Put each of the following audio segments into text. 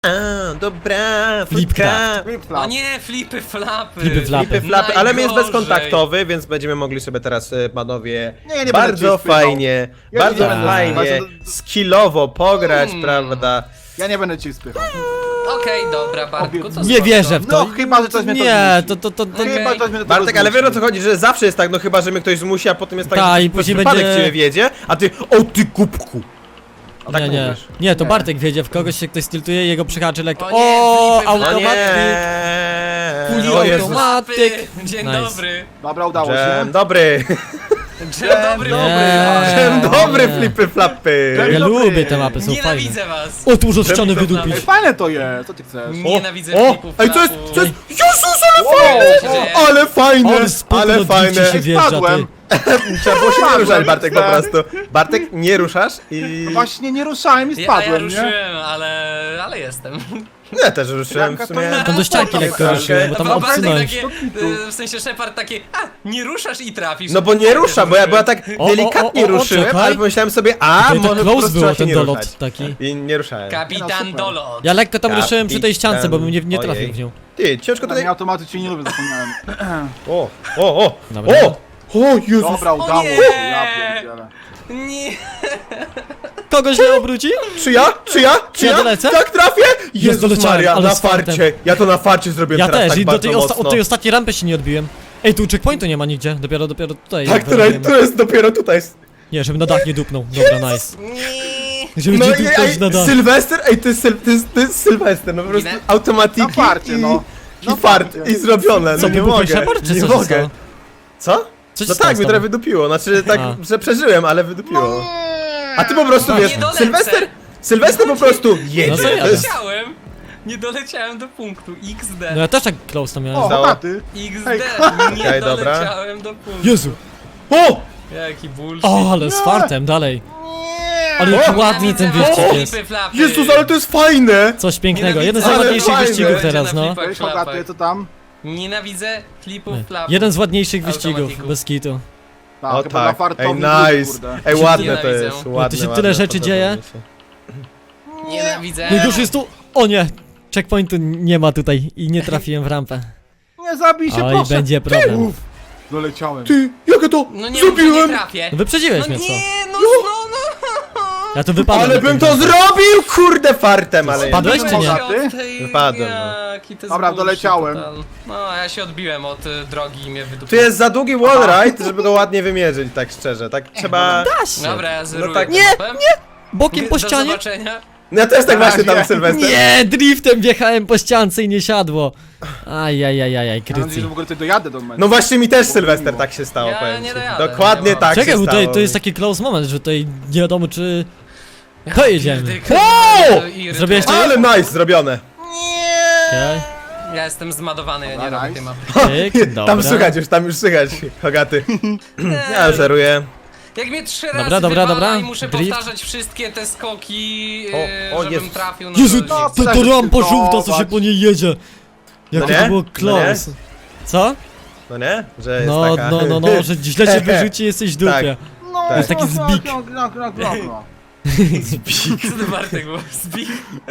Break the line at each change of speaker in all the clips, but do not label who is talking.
Dobra,
Flipcraft.
flipka.
O nie, flipy, flapy.
Flipy, flapy.
Flipy, flapy, ale my jest
Najgorzej.
bezkontaktowy, więc będziemy mogli sobie teraz, panowie,
Nie będę
bardzo
cię spychał.
fajnie,
Ja
bardzo
nie będę
fajnie,
spychał.
skillowo pograć, prawda?
Ja nie będę cię spychał.
Okej, dobra, Bartku, to
Nie
spoko.
wierzę w to.
No, chyba, że coś mnie to
Nie,
zmusi.
to.
Chyba, że coś mnie do tego
Bartek, ale wiesz o co
zmusi.
chodzi, że zawsze jest tak, no chyba, że mnie ktoś zmusi, a potem jest tak,
Ta,
że
i
przez
później
przypadek
będzie-
ciebie wiedzie, a ty, o ty kubku. A tak
Nie, nie.
mówisz.
Nie, to
Nie.
Bartek wiedzie, w kogoś się ktoś stiltuje, jego przyhaczy lekko.
O nie,
O,
flipy,
No
flapy.
automatyk.
nie, o Jezus.
automatyk.
Flapy. Dzień
Nice.
dobry.
Dobra, udało się.
Dzień dobry,
Dzień dobry.
Nie.
dzień dobry,
nie.
flipy, flapy.
Dzień
Ja
dobry.
lubię te mapy, są fajne.
Nienawidzę was.
O, tu muszę ściany
Flipy,
wydupić.
Ej, fajne to jest, co ty chcesz?
Nienawidzę
O,
flipów,
ej, co jest,
flapów.
co jest, Jezus, ale
Wow.
fajne,
Co się dzieje?
ale fajne,
Ale spoko,
ale
no,
fajne.
drifcie się wjeżdża, ty.
Spadłem.
Trzeba było się nie ruszać,
Spadłem,
Bartek, po
tak.
prostu. Bartek, nie ruszasz i...
Właśnie nie ruszałem i
Ja
spadłem, nie?
ruszyłem, ale jestem.
Ja też ruszyłem w sumie.
Tam do ścianki lekko
Okej.
ruszyłem, bo tam
A Bartek
odsunąć.
takie, w sensie Shepard takie, nie ruszasz i trafisz.
No bo nie rusza, bo ja tak
O,
delikatnie
o,
ruszyłem,
czekaj.
ale pomyślałem sobie, a
Tutaj tak
może po
close
prostu
było
trzeba się
ten
nie
dolot
ruszać.
taki.
I nie ruszałem.
Kapitan
No, super.
Dolot.
Ja lekko tam ruszyłem przy tej ściance, bo bym nie
Ojej.
trafił w nią.
Ty, ciężko
Na
tutaj...
mnie automaty cię nie lubię, zapomniałem.
O!
Dobra.
O, Jezus!
Dobra, udało
nie.
się, ja pierdzielę.
Nie.
Kogoś nie obróci?
Czy ja?
Ja dolecę?
Tak trafię? Jezus
doleciałem,
Maria,
ale
na
z fartem.
farcie. Ja to na farcie zrobiłem
Ja
teraz
też
tak
i do
bardzo
tej,
mocno.
od tej ostatniej rampy się nie odbiłem. Ej, tu checkpointu nie ma nigdzie, dopiero tutaj.
Tak,
wyrobiłem.
to jest dopiero tutaj.
Nie, żeby na dach nie dupnął. Dobra, nice.
Nie.
Żeby
No
ci
i
dupnąć na dach.
Sylwester, ej, to jest Sylwester, no po prostu
Ile?
automatiki
Na farcie, no.
i
Na
fart,
farcie.
i zrobione,
Co,
no nie
wybuchł
mogę,
Shepard, czy
nie
co się
mogę.
stało?
Co?
Co się
No
stało
tak,
z
mnie
tobą?
trochę wydupiło, znaczy tak,
A.
że przeżyłem, ale wydupiło. A ty po prostu
No
wiesz,
nie dolecę.
Sylwester po prostu jedzie.
No to
to
jadę.
jest...
Nie doleciałem do punktu. XD.
No ja też tak close tam miałem.
O,
Stało.
hotaty.
XD.
Ej,
Nie
Okej, dobra.
doleciałem do punktu.
Jezu!
O!
Jaki bullshit.
O, ale z fartem, dalej. Ale jaki
O!
ładny ten
Nienawidzę
wyścig
was,
jest.
flipy, flapy.
Jezus, ale to jest fajne!
Coś pięknego,
Nienawidzę.
jeden z
Ale
najładniejszych
fajne.
wyścigów
Będzie
teraz,
na
no.
flipach,
Cześć,
flapach.
hotaty, co tam?
Nienawidzę flipów, flapów.
Jeden z ładniejszych wyścigów,
Automatików.
bez kitu.
Tak,
O
chyba na
tak, ej
fartowni
nice,
kurde.
ej ładne to
Nienawidzę.
jest,
No,
ładne,
tu się
ładne,
tyle rzeczy
podoba
dzieje.
mi się.
Nienawidzę.
Najgorszy jest tu... O nie! Checkpointu nie ma tutaj i nie trafiłem w rampę.
Nie zabij się,
Oj,
proszę.
będzie problem.
Uff, doleciałem.
Ty, jak ja to
No nie mów, że nie
zrobiłem?
trafię.
No wyprzedziłeś
No
mnie, co?
nie, no.
Ja tu wypadłem.
Ale
na
bym
tym
to
razie.
zrobił, kurde, fartem, ale...
Spadłeś czy nie?
Wypadłem, no.
Dobra, doleciałem.
No, ja się odbiłem od drogi i mnie
Tu
wydupiłem.
jest za długi wallride, żeby go ładnie wymierzyć, tak szczerze, tak trzeba...
Da się!
Dobra, ja zeruję
tak-
tę
Nie,
mapę.
Bokiem po
Do
ścianie?
zobaczenia.
Ja też tak właśnie tam
nie.
Sylwester.
Nie, driftem wjechałem po ściance i nie siadło. Ajajajajaj,
Mam nadzieję,
krycy.
że w ogóle tutaj dojadę do momentu.
No właśnie mi też Sylwester tak się stało,
Ja
powiem
nie
ci.
dojadę,
Dokładnie
nie ma.
tak
Czekaj,
się
bo
stało.
tutaj to jest taki close moment, że tutaj nie wiadomo czy... To jedziemy.
Pierdyka,
Wow!
irytuję.
Zrobiłeś to?
Ale nice, zrobione.
Okej,
Ja jestem zmadowany, ja nie
Dobra,
robię tej
nice.
mapy.
tyk, dobra.
Tam już słychać, Hogaty. Ja żeruję.
Jak mnie 3
Dobra,
razy
dobra,
wywala
dobra.
i muszę
Drift.
powtarzać wszystkie te skoki,
O
żebym
Jezus.
trafił na
Jezu,
to nie
to
chcę.
rampa żółta, co się po niej jedzie. Jakie
nie?
to było
No
close. Co?
No nie? Że jest
No,
taka...
no, że źle cię wyrzuci, jesteś w dupie.
No,
To jest
taki zbik.
No.
Co to Bartek było? Zbik?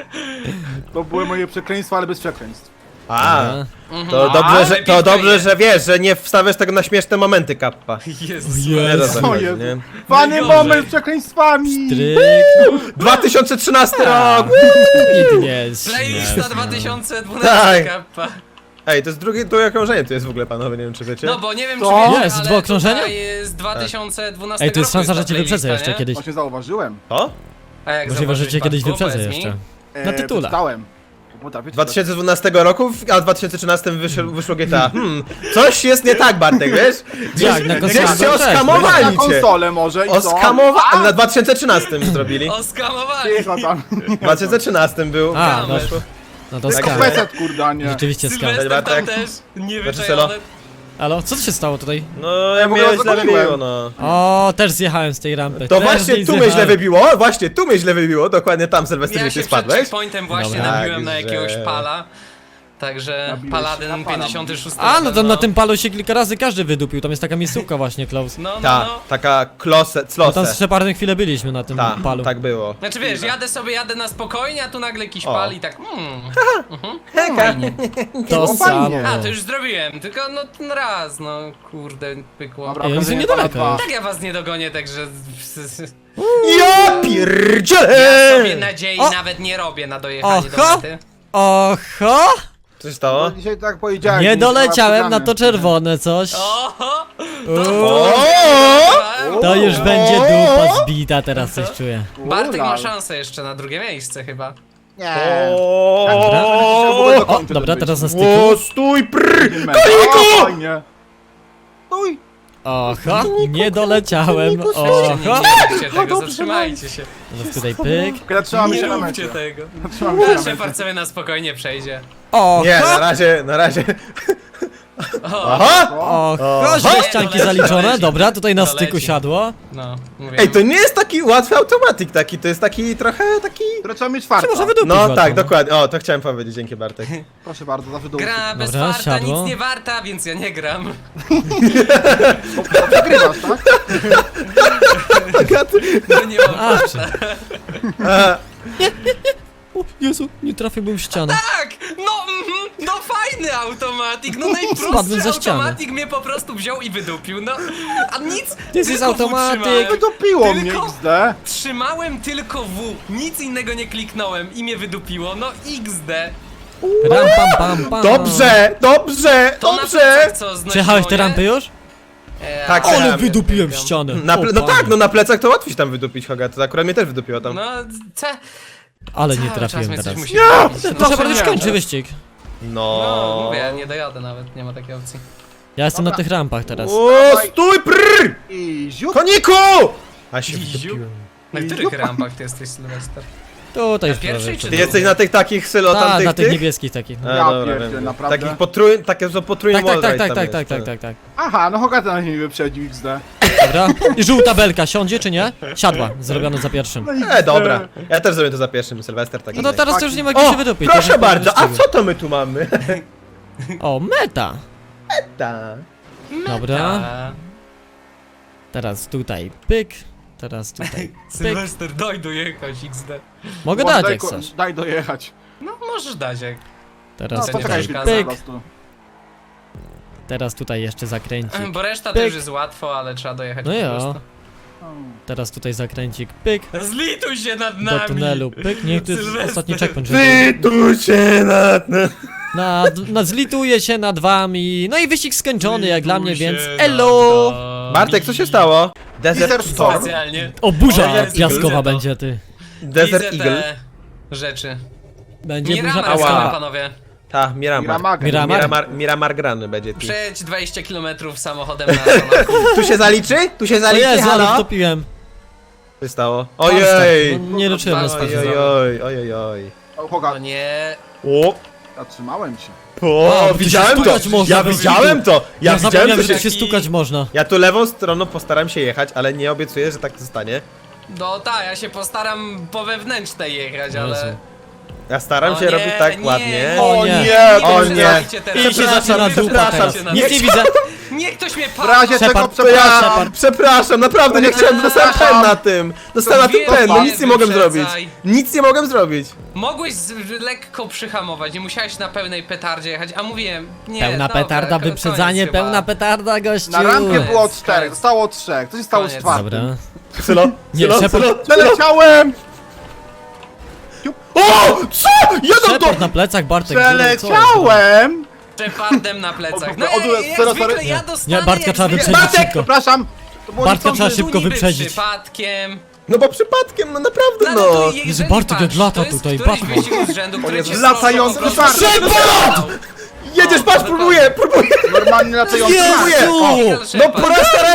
To były moje przekleństwa, ale bez przekleństw.
A,
Dobra.
to dobrze, że wiesz, że nie wstawiasz tego na śmieszne momenty, kappa.
Jezus.
Ojej.
Nie to
Co
chodzi,
jest?
nie?
Fany
Najgorzej.
moment z przekleństwami!
Tryk,
2013 rok!
nic nie jest
Playlista
śmieszne.
2012
Tak.
kappa.
Ej, to jest drugie okrążenie, to jest w ogóle, panowie, nie wiem czy wiecie.
No bo nie wiem
Co?
czy wiecie,
Jest,
ale
dwa okrążenia?
tutaj jest 2012
Ej, to jest
roku
szansa, że
ta
cię wyprzedzę
playlista,
jeszcze
nie?
kiedyś.
Właśnie zauważyłem.
O?
A jak
Możliwe, że
zauważyłeś,
cię kiedyś
Bartku?
wyprzedzę
Powiedz mi.
jeszcze. Na tytule.
Czytałem. Potrafię
2012 roku, a w 2013 wyszło GTA. Coś jest nie tak, Bartek, wiesz?
Jak, na konsolę?
Gdzieś cię
No cześć,
Na
oskamowali cię.
konsolę może i co?
Oskamowali, na 2013 zrobili.
Oskamowali!
Cicho tam.
W 2013 był.
A,
Dobra.
wyszło.
No to
Tylko
skam.
peset, kurde, a nie.
Rzeczywiście skam.
Sylwester
Bartek.
tam też,
Selo.
niewyczajony.
Halo, co tu się stało tutaj?
No, ja
w ogóle
mnie źle
zagoniłem.
wybiło, no.
O, też zjechałem z tej rampy.
To
też
właśnie
gdzieś
tu mnie źle
zjechałem.
wybiło, właśnie tu mnie źle wybiło, dokładnie tam Sylwester,
Ja
gdzie
się
ty
przed
spadłeś.
checkpointem właśnie
Dobra.
nabiłem na
Także-
jakiegoś pala. Także
Nabiłeś
Paladyn
się na pana.
56.
A, no tam na
no.
tym palu się kilka razy każdy wydupił, tam jest taka miejscówka właśnie, Klaus.
No, no,
Ta,
no.
taka klose,
No tam z
close.
Shepardem chwilę byliśmy na tym
Ta,
palu.
tak było.
Znaczy wiesz, jadę na spokojnie, a tu nagle jakiś
O.
pal i tak fajnie.
To
No,
samo.
fajnie.
A, to już zrobiłem, tylko no ten raz, no kurde, pykło.
Dobra,
Ej, oni są
okazuje
niedaleko
pana
już.
Tak ja was nie dogonię, także
Ja
ja
pierdzielę!
sobie nadziei
O!
nawet nie robię na dojechanie do
Oho!
mety.
Oho!
Co się stało?
No, dzisiaj tak powiedziałem.
Nie
że
doleciałem na to
przegramy.
czerwone coś.
Oho!
O!
To już będzie dupa zbita, teraz coś czuję.
Bartek ma
Ulala.
szansę jeszcze na drugie miejsce chyba.
Nie.
Dobra.
O,
O, dobra, teraz na styku.
O, stój, prr!
Koniku! Fajnie. Stój.
Oho, nie doleciałem.
Nie
Oho.
róbcie tego, zatrzymajcie się.
Teraz tutaj pyk.
Kiedy trzymamy
Nie
się na
róbcie
mecie.
tego.
Trzymamy się na
Szefard
mecie.
sobie na spokojnie przejdzie.
Oho!
Nie, na razie.
O,
Aha!
Oho, źle ścianki
Doleci,
zaliczone.
doleci.
Dobra, tutaj na styku
Doleci.
siadło.
no, mówię.
Ej, to nie jest taki łatwy automatik taki, to jest taki trochę taki...
Które trzeba mieć farta.
Może wydupić
No
łatwo,
tak, dokładnie. O, to chciałem powiedzieć, dzięki Bartek.
Proszę bardzo, zawsze do
Gra bez
Dobra,
farta,
siadło.
nic nie warta, więc ja nie gram.
Przegrywasz, tak?
Bo nie mam
A,
farta.
O Jezu, nie trafiłbym w ścianę.
Tak! No fajny automatik, no
Spadłem
najprostszy
za ścianę.
automatik mnie po prostu wziął i wydupił, no. A nic,
jest
tylko W
automatyk.
trzymałem.
Wydupiło mnie
Tylko-
XD.
Trzymałem tylko W, nic innego nie kliknąłem i mnie wydupiło, no XD.
Ram pam pam pam.
Dobrze, dobrze,
To na
dobrze!
plecach co znosiło,
Przejechałeś te
nie?
rampy już?
Tak,
Ale
przejechałem.
wydupiłem w ścianę.
No tak, no na plecach to łatwiej się tam wydupić, Hoga, to akurat mnie też wydupiło tam.
No,
Ale nie
cały czas
trafiłem
mnie coś
teraz.
musi wydupić, no.
Proszę bardzo,
nie.
kończy wyścig.
No,
No.
mówię, nie dojadę nawet, nie ma takiej opcji.
Ja jestem na
Dobra.
tych rampach teraz.
O, stój, prr!
I ziut.
Koniku! A się
Iziu.
wydupiłem.
Na których rampach ty jesteś, Sylwester?
Tutaj jest
pierwszej
prawie.
czy
Ty jesteś na tych takich sylo
Tak,
tamtych
na tych
tych?
niebieskich takich.
A,
Ja
dobra,
pierdzielę,
wiem.
naprawdę?
Takich takie są potrójne
Tak, tak,
wallride
tak,
tam
tak,
jest,
tak, tak, tak, tak.
Aha, no Hogata na mnie wyprzedził XD.
Dobra. I żółta belka siądzie czy nie? Siadła, zrobione za pierwszym.
Dobra. Ja też zrobię to za pierwszym, Sylwester tak
No to teraz to już nie ma gdzie
O,
się wydupić.
proszę
to już
bardzo, a
wyścigu.
co to my tu mamy?
O, meta.
Ta.
Dobra.
A,
Teraz tutaj pyk. Teraz tutaj pyk.
Sylwester, daj dojechać XD.
Mogę
Może
dać
daj
jak
ko-
chcesz.
Daj dojechać.
No, możesz dać jak.
No,
Teraz
to
tutaj
poczekaj,
przeszkadza.
pyk.
po prostu.
Teraz tutaj jeszcze zakręcik.
Bo reszta
Pyk.
też jest łatwo, ale trzeba dojechać
No
po
ja.
prostu.
Teraz tutaj zakręcik pyk.
Zlituj się nad
Do
nami!
tunelu pyk. Niech to jest
Sylwester.
ostatni checkpoint. żeby-
Ty tu się
Zlituje się nad wami. No i wyścig skończony jak dla mnie, więc
Zlituj się
elo!
nad nami.
Bartek, co się stało?
Desert
Desert
Storm.
Specjalnie.
O, burza
Desert
piaskowa
Eagle.
będzie ty.
Desert
Widzę
Eagle.
te rzeczy.
Będzie burza
Miramar
Ała.
gramy,
piaskowa.
panowie.
Ta, Miramar.
Miramar.
Miramar.
Miramar grany będzie ty.
Przejdź 20 km samochodem na Sonaku.
Tu się zaliczy? Tu się
O
zaliczy,
Jezu, ale
halo?
wtopiłem.
Co się stało?
Ojej!
Ojej!
No, nie liczyłem na
Ojej.
swoje.
Ojej, ojej, ojej.
O,
O
Hogat,
nie.
O!
zatrzymałem się.
O,
A, bo tu się
widziałem to!
stukać można
Ja
do
widziałem to! Ja
Ja
widziałem
zapomniałem,
to
że tu
się...
się stukać można.
Ja tu lewą stroną postaram się jechać, ale nie obiecuję, że tak zostanie.
No tak, ja się postaram po wewnętrznej jechać,
Jezu.
ale...
Ja staram
O
się
nie,
robić tak
nie.
ładnie.
O nie.
O
Nie
nie!
przestawajcie teraz.
I się zaczyna
Nie
dupa
przestawajcie
teraz.
nas.
Nic nie widzę.
Niech ktoś mnie
W
patrzy.
razie czego
Shepard,
To ja,
przepraszam.
przepraszam, naprawdę nie chciałem, dostałem pen na tym! Dostałem na tym pen, no nic nie mogłem zrobić. Nic nie mogłem zrobić.
Mogłeś lekko przyhamować, nie musiałeś na pełnej petardzie jechać, a mówiłem, nie,
Pełna
dobra,
petarda, wyprzedzanie,
koniec chyba.
pełna petarda, gościu.
Na rampie było
Koniec,
4,
koniec.
zostało 3. Co się stało z
Koniec.
czwartym?
Dobra.
Sylo,
Nie,
sylo,
Shepard-
sylo, sylo.
Przeleciałem!
O! Co? Jadą
Shepard
to!
na plecach, Bartek. co jest?
Przeleciałem!
Szepardem na plecach. No
Od- od-
jak
sorry,
zwykle
sorry.
ja dostanę
Nie, Bartka
jak
trzeba
zwykle.
wyprzedzić
Bartek!
szybko.
Przepraszam! To było
Bartka
niechcący.
trzeba szybko
Tu niby
wyprzedzić.
przypadkiem.
No bo przypadkiem, no naprawdę
No,
no!
ale tu
Jezu, Bartek jak lata tutaj,
Batman.
Batman.
Wyścig z rzędu, który
Jezu,
cię
latający
po prostu
Shepard!
Jedziesz, patrz, próbuję!
Normalnie latający
Jezu!
mark.
No po raz starałem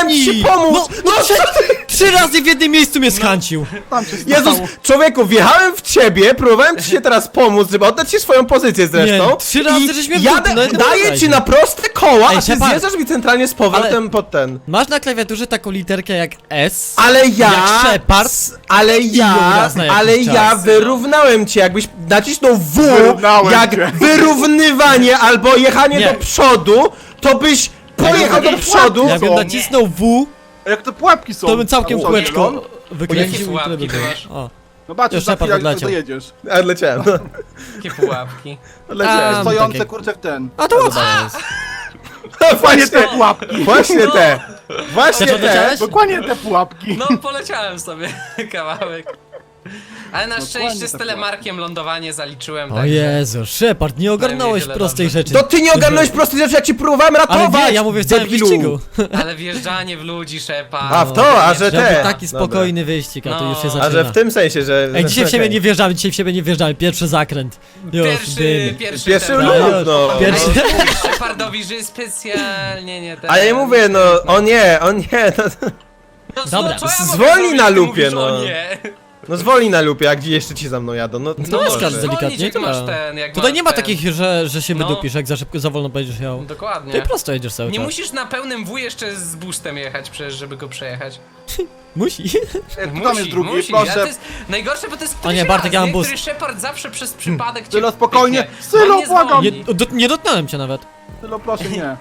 próbowałem ci
I-
pomóc! No,
Trzy razy w jednym miejscu mnie skancił.
Tam się
Jezus,
stało.
człowieku, wjechałem w ciebie, próbowałem ci się teraz pomóc, żeby oddać ci swoją pozycję zresztą.
Nie, 3 razy
i
żeś mnie
jadę,
wdupnął, no
daję
dawaj.
ci na proste koła,
Ej,
a ty
Shepard.
zjeżdżasz mi centralnie z powrotem pod ten.
Masz na klawiaturze taką literkę jak S.
Ale ja...
Jak Shepard.
Ale ja...
raz na jakiś
Ale ja
czas.
wyrównałem cię, jakbyś nacisnął W,
Wyrównałem
jak
cię.
wyrównywanie albo jechanie
Nie.
do przodu, to byś pojechał do przodu.
Jakbym
Co?
nacisnął W,
Jak to pułapki są?
to bym całkiem
Tam
kółeczko
są.
wykręcił
Jakie
i tyle
pułapki
by
ty
było.
masz?
O.
Zobaczysz,
Już
za
Shepard
chwilę jak
odleciał.
dojedziesz.
A leciałem, no.
Jakie pułapki.
Leciałem.
A,
Stojące
takie-
kurczę w ten.
A to łatwo jest.
Właśnie te
pułapki.
Właśnie te. Właśnie
Też
te.
odleciałeś?
Dokładnie te pułapki.
No poleciałem sobie kawałek. Ale na szczęście
Dokładnie
z
tak
telemarkiem lądowanie zaliczyłem,
O
także...
Jezu, Shepard, nie ogarnąłeś
tyle
prostej
dobrze.
rzeczy.
To ty nie ogarnąłeś prostej rzeczy, jak ci próbowałem
Ale
ratować!
nie, ja mówię w całym
debilu.
wyścigu.
Ale wjeżdżanie w ludzi, Shepard.
A, w to, a że
Żeby
te.
taki
Dobra.
spokojny wyścig, a tu
No.
już się
A,
zaczyna.
A że w tym sensie, że...
Ej, dzisiaj w siebie
okej.
nie wjeżdżamy, dzisiaj w siebie nie wjeżdżamy. Pierwszy zakręt. Już,
Pierwszy
Pierwszy
ten,
lub,
już.
no.
Pierwszy-
Ale mówisz Shepardowi, że specjalnie nie ten...
A ja mówię, no, o nie, no,
No,
Dobra,
co ja mogę
zwolnij
zrobić,
na
ty
lupie,
mówisz,
no.
O nie.
no zwolnij na lupie, a gdzie jeszcze ci za mną jadą, no.
To
No,
jest
możesz
każdy
zwolnić,
delikatnie,
jak
tyle.
masz ten, jak
Tutaj
masz
nie ma
ten.
takich, że się
No.
wydupisz, jak za wolno będziesz jechał. Ty
Dokładnie.
prosto jedziesz cały
Nie
czas.
musisz na pełnym W jeszcze z boostem jechać przecież, żeby go przejechać.
Musi.
Tam jest drugi,
musi. A to
proszę.
jest najgorsze, bo to jest
O nie,
któryś
Bartek,
raz,
ja mam
nie?
boost.
Który Shepard zawsze przez przypadek cię
Sylo, spokojnie.
pyknie.
Sylo,
On nie
błagam.
zwolni.
Nie dotknąłem cię nawet.
Tylo, proszę, nie.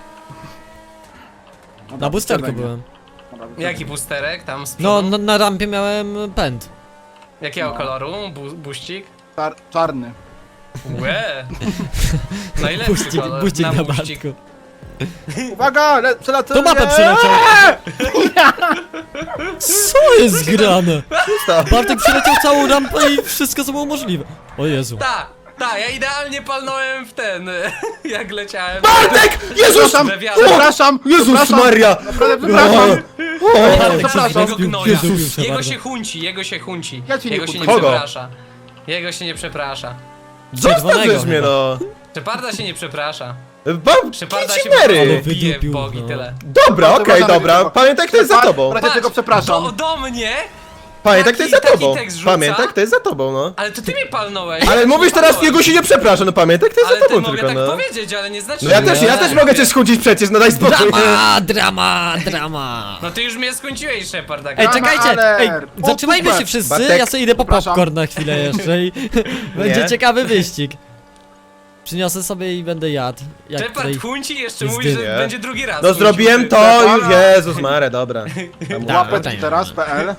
Na boosterku byłem.
Jaki boosterek tam z
No,
przodu?
na rampie miałem pęd.
Jakiego
no.
koloru? Buścik?
Czarny.
Łe! Najlepszy kolor.
Buścik na
buścik.
Bartku.
Uwaga, przelatamy.
To mapę przeleciał. Co jest grane? Bartek przeleciał całą rampę i wszystko co było możliwe. O Jezu.
Ta, ja idealnie palnąłem w ten, jak leciałem.
Bartek! Jezus!
Przepraszam,
We wiatr.
przepraszam.
Jezus
przepraszam.
Maria!
Naprawdę przepraszam.
Bartek
przepraszam.
się
Jego gnoja.
Jezus,
Jego
bardzo.
się hunci, jego się hunci.
Ja cię nie
Jego się nie
huncuję.
Kogo?
przeprasza. Jego się nie przeprasza.
Zostawisz mnie,
chyba.
no.
Sheparda się nie przeprasza.
Bam,
Sheparda się
Mary.
Ale
bije
wydupił,
bogi,
no.
tyle.
Dobra, okej,
Przepraszam,
dobra.
tylko-
Pamiętaj, kto jest za tobą.
Patrz, tego przepraszam.
Do mnie?
Pamiętaj, kto jest za
taki
tobą.
tekst rzuca?
Pamiętaj, kto jest za tobą, no.
Ale to ty mnie palnąłeś.
Ale mówisz teraz, jego się nie przeprasza, no pamiętaj, kto jest
Ale
za
ty
tobą
mogę
tylko,
tak
no.
powiedzieć, ale nie znaczy,
No ja
że
też mogę cię skudzić przecież, no daj spokój.
Drama.
No ty już mnie skończyłeś, Shepard. tak?
Ej,
Drama
czekajcie! Ej,
alert.
zatrzymajmy
O,
się
super.
wszyscy,
Bartek,
ja sobie idę po
przepraszam.
popcorn na chwilę jeszcze i będzie
Nie.
ciekawy wyścig. Przyniosę sobie i będę jadł. Jak
Shepard
tutaj...
hunci jeszcze
jest
mówi, że
dynia.
będzie drugi raz.
No
huncił.
zrobiłem to już, Jezus Mare, dobra.
Łapę
tak.
teraz.pl.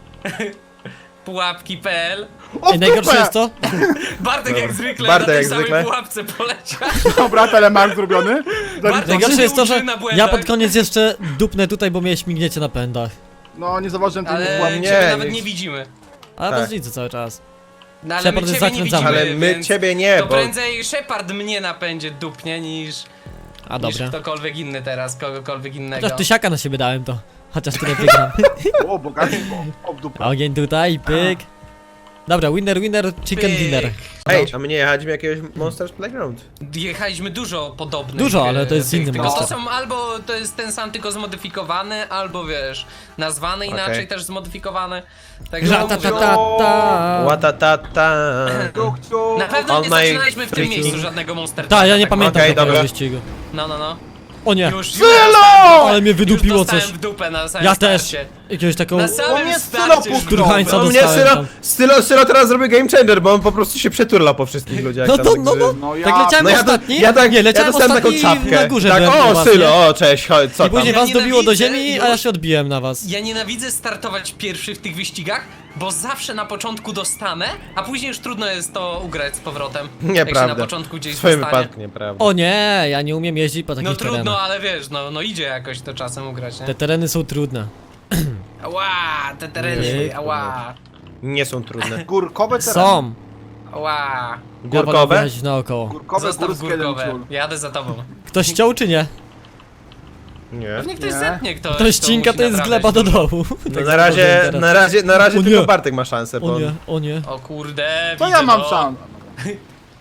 Pułapki.pl.
O,
Ej, najgorsze jest to?
Bartek jak zwykle
Bartek
na tej
jak
samej
zwykle.
pułapce poleciał.
Dobra, telemark zrobiony.
Bartek
Najgorsze
się
jest to, że
uczy na
ja
błędach.
pod koniec jeszcze dupnę tutaj, bo mnie śmigniecie na pędach.
No, nie zauważyłem tej
Ale
pułapki.
Nie,
ciebie nawet
nie-
nie widzimy.
Ale
Tak.
was widzę cały czas.
No ale my
Shepard jest
ciebie nie
zakręcamy.
widzimy,
Ale my
więc
ciebie nie,
to
bo...
prędzej Shepard mnie napędzie dupnie niż
Dobra.
ktokolwiek inny teraz, kogokolwiek innego.
Chociaż tysiaka na siebie dałem to. Chociaż tyle wygram.
O, bogactwo. O, w dupę.
Ogień tutaj, pyk. Dobra, winner, chicken
Pyk.
dinner.
Ej, a my nie jechaliśmy jakiegoś Monsters Playground.
Jechaliśmy dużo podobnych.
Dużo, ale to jest
tych,
inny
tylko to
monster.
są albo to jest ten sam, tylko zmodyfikowany, albo wiesz, nazwany inaczej,
Okej.
też zmodyfikowany. Także
Ratatata.
Łatatata.
Ciuch.
na pewno
All
nie
my
zaczynaliśmy w tym
freaking-
miejscu żadnego Monster
Tak, ja nie
tak
pamiętam
Okej,
takiego
dobra.
wyścigu.
No.
O nie,
Już
ale mnie wydupiło
już dostałem
coś.
w dupę na samym
Ja też.
starcie.
Jakiegoś taką...
Na
O
samym
mnie
starcie
Sylo
już
Turhańca
No
wdupę.
mnie
dostałem
Sylo teraz zrobi game changer, bo on po prostu się przeturla po wszystkich ludziach.
No
tam,
to,
także-
No
tak leciałem
No ja,
ostatni?
ja
nie, leciałem
dostałem taką
ostatni
czapkę.
na górze
tak,
byłem
o
u was, nie?
Sylo, o cześć, chodź, co
I później
tam?
was dobiło do
nienawidzę
ziemi, a ja
już.
się odbiłem na was.
Ja nienawidzę startować pierwszy w tych wyścigach, bo zawsze na początku dostanę, a później już trudno jest to ugrać z powrotem. Jak się
Nieprawda.
na początku gdzieś
W swoim
dostanie.
wypadku nieprawda.
O nie, ja nie umiem jeździć po takich
No trudno,
terenach.
ale wiesz, no idzie jakoś to czasem ugrać, nie?
Te tereny są trudne.
Ała, te tereny,
Nie,
ała,
Nie są trudne.
Górkowe tereny.
Są.
ała.
Ja wolę
Górkowe?
wyjechać naokoło.
Górkowe,
Zostaw
górskie, jeden
górkowe,
ciul.
jadę za tobą.
Ktoś chciał czy nie?
Nie.
Pewnie ktoś
Nie.
zetnie, kto
To ścinka
musi
to jest
naprawiać
gleba do
dużo.
dołu.
No
Tak
na razie,
teraz.
na razie
O
tylko
nie.
Bartek ma szansę, bo...
O nie, o nie.
O kurde,
To
widzę
ja mam
go.
szansę.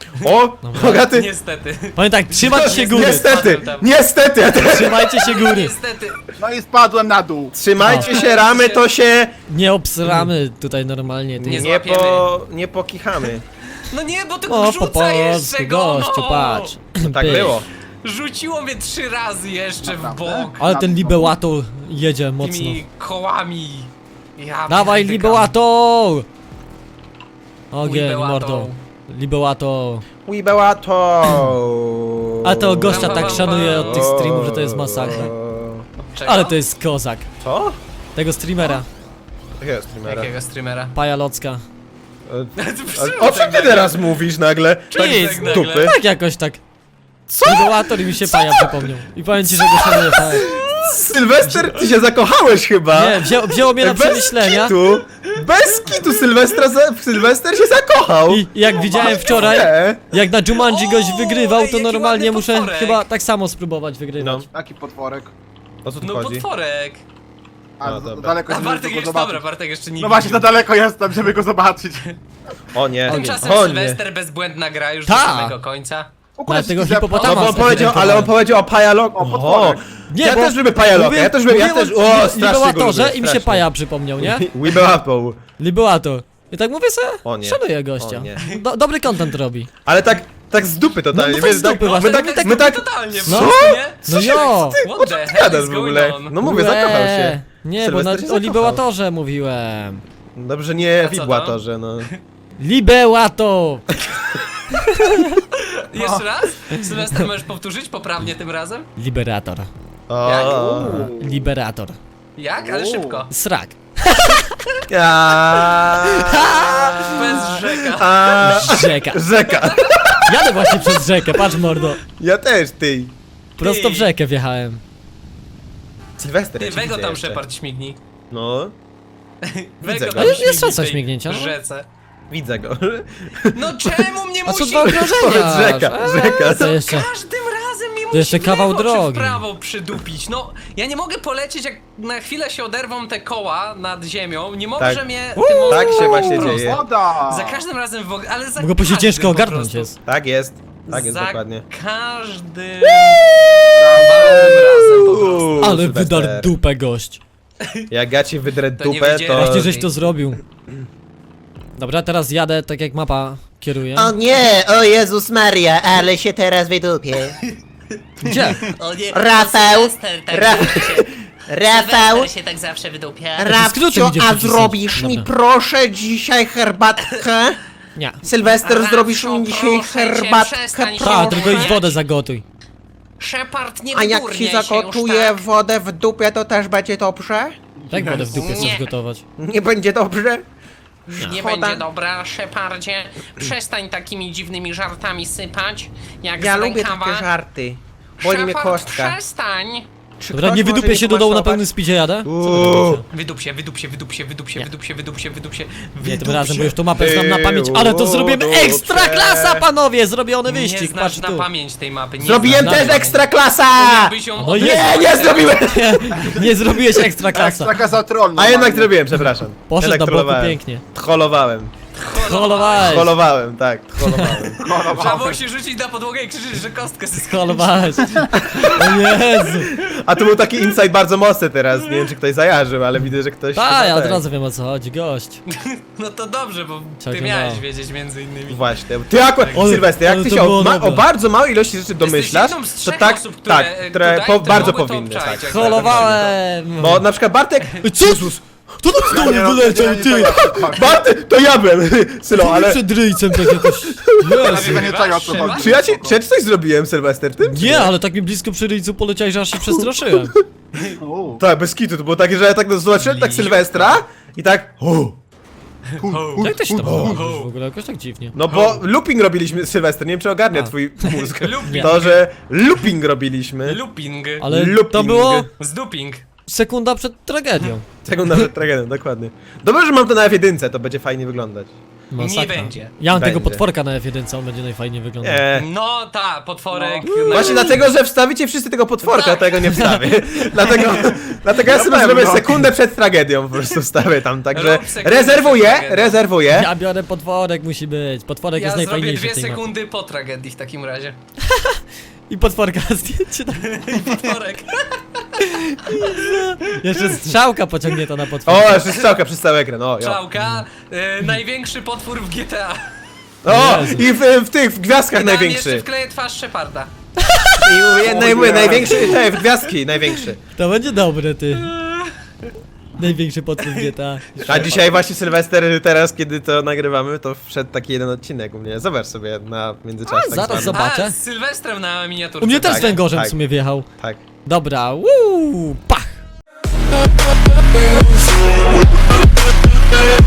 O, bogaty!
Niestety.
Powiem tak, trzymać się góry.
Niestety, niestety!
Trzymajcie się góry.
Niestety.
No i spadłem na dół.
Trzymajcie się ramy, to się
Nie obsramy tutaj normalnie. Ty.
Nie
nie pokichamy.
No nie, bo ty
O, po
rzuca
polsku,
jeszcze go,
gościu,
no.
patrz.
Tak
Pyk.
było.
Rzuciło mnie 3 razy jeszcze w
Naprawdę?
bok.
Ale ten Libełator jedzie mocno.
Tymi kołami. Ja
Dawaj,
pierdykam.
Libełator! Ogień,
Libełator.
mordo. Libełator.
Wibełato!
A to gościa tak szanuję od tych streamów, że to jest masakra.
Czego?
Ale to jest kozak.
Co?
Tego streamera,
Jakiego streamera?
Jakiego streamera?
Paja Locka.
O czym ty teraz mówisz nagle? Tak
Nic,
z dupy.
Tak jakoś tak. Co? Libełator i mi się Paja przypomniał. I powiem ci, że go szanuję, tak.
Sylwester, ty się zakochałeś chyba.
Nie, wzięło mnie na przemyślenia.
kitu. Bez kitu Sylwester się zakochał.
I jak widziałem wczoraj,
Nie.
jak na Jumanji goś
O,
wygrywał, to
jaki
normalnie
ładny
muszę
potworek.
chyba tak samo spróbować wygrywać.
No,
Taki potworek.
o co tu
No
chodzi?
potworek.
A
No,
za
dobra.
daleko
A
jestem,
Bartek
żeby go
jeszcze,
zobaczyć.
dobra, Bartek jeszcze nie
No właśnie, za
widział.
daleko jestem, żeby go zobaczyć.
O nie,
Tymczasem
o nie.
Sylwester bezbłędna gra już do
Ta.
samego końca.
Ale tego
No
hipopotama
bo on powiedział, ale on powiedział o Pajalok.
O, potworek.
Nie,
ja
bo
też lubię Pajaloka, ja też lubię, ja też, o, strasznie go
Libełatorze
lubię,
i mi się
strasznie.
Paja przypomniał, nie?
Wibełator.
Libełator. I tak mówię sobie,
O nie.
szanuję gościa.
O nie.
Dobry content robi.
Ale tak z dupy totalnie,
No tak
wiesz,
z dupy
my
właśnie.
tak,
Totalnie,
No.
po prostu, nie?
No jo!
What the hell
gadasz
is
w
going
ogóle?
on?
No mówię, zakochał się.
Nie, bo
Sylwester się
o
zakochał.
Libełatorze mówiłem.
Dobrze, nie
A co to?
Wibełatorze, no.
Libełator!
Jeszcze raz? Sylwester, możesz powtórzyć poprawnie tym razem?
Liberator.
O.
Liberator.
Jak? Ale szybko.
Srak.
Bez rzeka.
Rzeka.
Rzeka.
Jadę właśnie przez rzekę, patrz mordo.
Ja też, ty.
Prosto w rzekę wjechałem.
Sylwester,
Ty,
ja cię
Wego
widzę
tam
jeszcze.
Shepard śmigni.
No,
Wego
go.
tam
Ale
jest
śmigni
szansa
w tej
śmignięcia, no.
rzece.
widzę go.
No czemu mnie
A co
musi...
dwa okrążenia?
Powiedz rzeka, rzeka.
To jeszcze.
Każdym razem mnie musi
jeszcze
w
kawał
lewo czy
drogi.
w prawo przydupić. No, ja nie mogę polecieć, jak na chwilę się oderwą te koła nad ziemią. Nie może
Tak.
mnie tym mostem
Tak się właśnie
prosto.
dzieje.
Woda!
Za każdym razem w ogóle, ale za
Mogę później
każdym
ciężko
po
ogarnąć
prostu.
jest.
Tak jest
Za
dokładnie.
każdym razem po prostu.
Ale
Sylwester.
wydar dupę gość.
Jak ja ci wydrę
To nie
dupę,
widziałem.
to...
Właśnie żeś to zrobił. Dobra, teraz jadę tak jak mapa kieruje.
O nie, o Jezus Maria, ale się teraz wydupię.
Gdzie?
O nie,
Rafał,
Sylwester tak
Ra-
zawsze się,
Rafał,
Sylwester się tak zawsze wydupia.
skrótem
Rafcio,
idzie
a
przycisnąć.
zrobisz mi
Dobra.
proszę dzisiaj herbatkę?
Nie.
Sylwester,
Rafcio,
zrobisz mi dzisiaj
proszę cię,
herbatkę,
przestań się
Ta,
proszę?
tylko idź wodę zagotuj.
Shepard, nie
A jak
wydurniaj
ci
się już
zagotuję
tak.
wodę w dupie, to też będzie dobrze?
Jak wodę w dupie chcesz
Nie.
gotować?
Nie będzie dobrze?
Nie
Szkoda.
będzie dobra, Shepardzie. Przestań takimi dziwnymi żartami sypać, jak
Ja
z
lubię
rękawa.
takie żarty. Boli mnie
Shepard,
kostka.
przestań.
Czy
Dobra,
ktoś
nie
może
wydupię się do dołu na
pomasować?
pełnym speedzie jadę?
Wydup się, wydup się, wydup się, wydup się, wydup się, wydup się, wydup się.
Nie, tym
wydup
razem,
się.
bo już tą mapę znam na pamięć, ale to zrobiłem ekstra klasa, panowie! Zrobiony
Nie
wyścig,
znasz
patrz
na
tu.
pamięć tej mapy. Nie
Zrobiłem
znasz
też
na
ekstra klasa!
pamięć. Ją
No
Nie, nie zrobiłem!
Nie zrobiłeś ekstra klasa.
Taka za troll.
A jednak
normalnie.
zrobiłem, przepraszam.
Poszedł
Jednak
na boku
trollowałem.
pięknie.
Trollowałem.
Trollowałeś.
Trollowałem, tak, trollowałem.
Trzeba było się rzucić na podłogę i krzyczeć, że kostkę zyskał.
Trollowałeś. O Jezu.
A to był taki insight bardzo mocny teraz, nie wiem czy ktoś zajarzył, ale widzę, że ktoś...
Tak,
chyba
ja od
tak.
razu wiem o co chodzi, gość.
No to dobrze, bo ty
Całkiem
miałeś
mało.
wiedzieć między innymi.
Właśnie. Ty akurat,
Ale-
Sylwester,
ale
jak ty
to
się
było
o
dobre.
bardzo małej ilości rzeczy domyślasz,
jedną z
to
trzech
tak,
osób, które,
tak, które
tutaj,
bardzo
mogły to
powinny, tak.
obczaić, jak
Trollowałem.
Bo na przykład Bartek...
Co? Kto tam z dołu wyleciał, ty?
Bartek, to ja byłem, Sylo, ale...
Przed ryjcem tak jakoś... Jezu.
Ja nie czego o co
Trzeba?
chodzi.
Czy ja ci coś zrobiłem, Sylwester, tym? czy
Nie, ale tak mi blisko przy ryjcu poleciałeś, że aż się przestraszyłem.
O,
Tak, bez kitu, to było takie, że ja tak zobaczyłem tak Sylwestra i tak...
Jak to się tam
ho.
robisz w ogóle? Jakoś tak dziwnie.
No bo looping robiliśmy, Sylwester, nie wiem czy ogarnia
A.
twój mózg.
Looping.
To, że looping robiliśmy.
Looping.
Ale to
Looping.
było
Zduping.
sekunda przed tragedią.
Sekunda przed tragedią, dokładnie. Dobrze, że mam to na F1, to będzie fajnie wyglądać.
Masakra.
Nie będzie.
Ja mam tego
Będzie.
potworka na F1, on będzie najfajniej wyglądał.
No ta, potworek.
No.
Właśnie dlatego, że wstawicie wszyscy tego potworka,
Tak.
tego nie wstawię. dlatego ja sobie
pewno.
zrobię sekundę przed tragedią, po prostu wstawię tam, także
Rób sekundę przed tragedią.
rezerwuję.
Ja biorę potworek, musi być. Potworek
Ja
jest
zrobię
najfajniejszy
2
w tej mapie.
sekundy po tragedii w takim razie.
I potworka zdjęcie tak.
Potworek.
Jeszcze strzałka pociągnięta na potworka.
O, jeszcze strzałka przez cały ekran, o, jo.
Czałka, największy potwór w GTA.
O,
Jezu.
i w tych, w gwiazdkach
Tam jeszcze
największy.
wkleję twarz Sheparda.
I mówię, największy, w gwiazdki, największy.
To będzie dobre, ty. Największy potwór GTA.
A dzisiaj właśnie Sylwester, teraz kiedy to nagrywamy, to wszedł taki jeden odcinek u mnie. Zobacz sobie na międzyczasie. tak
zaraz
zwany.
zobaczę.
A, z Sylwestrem na miniaturce.
U mnie też
Tak,
węgorzem
tak.
w sumie wjechał.
Tak.
Dobra, pach!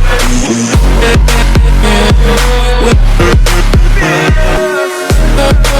We'll be right back.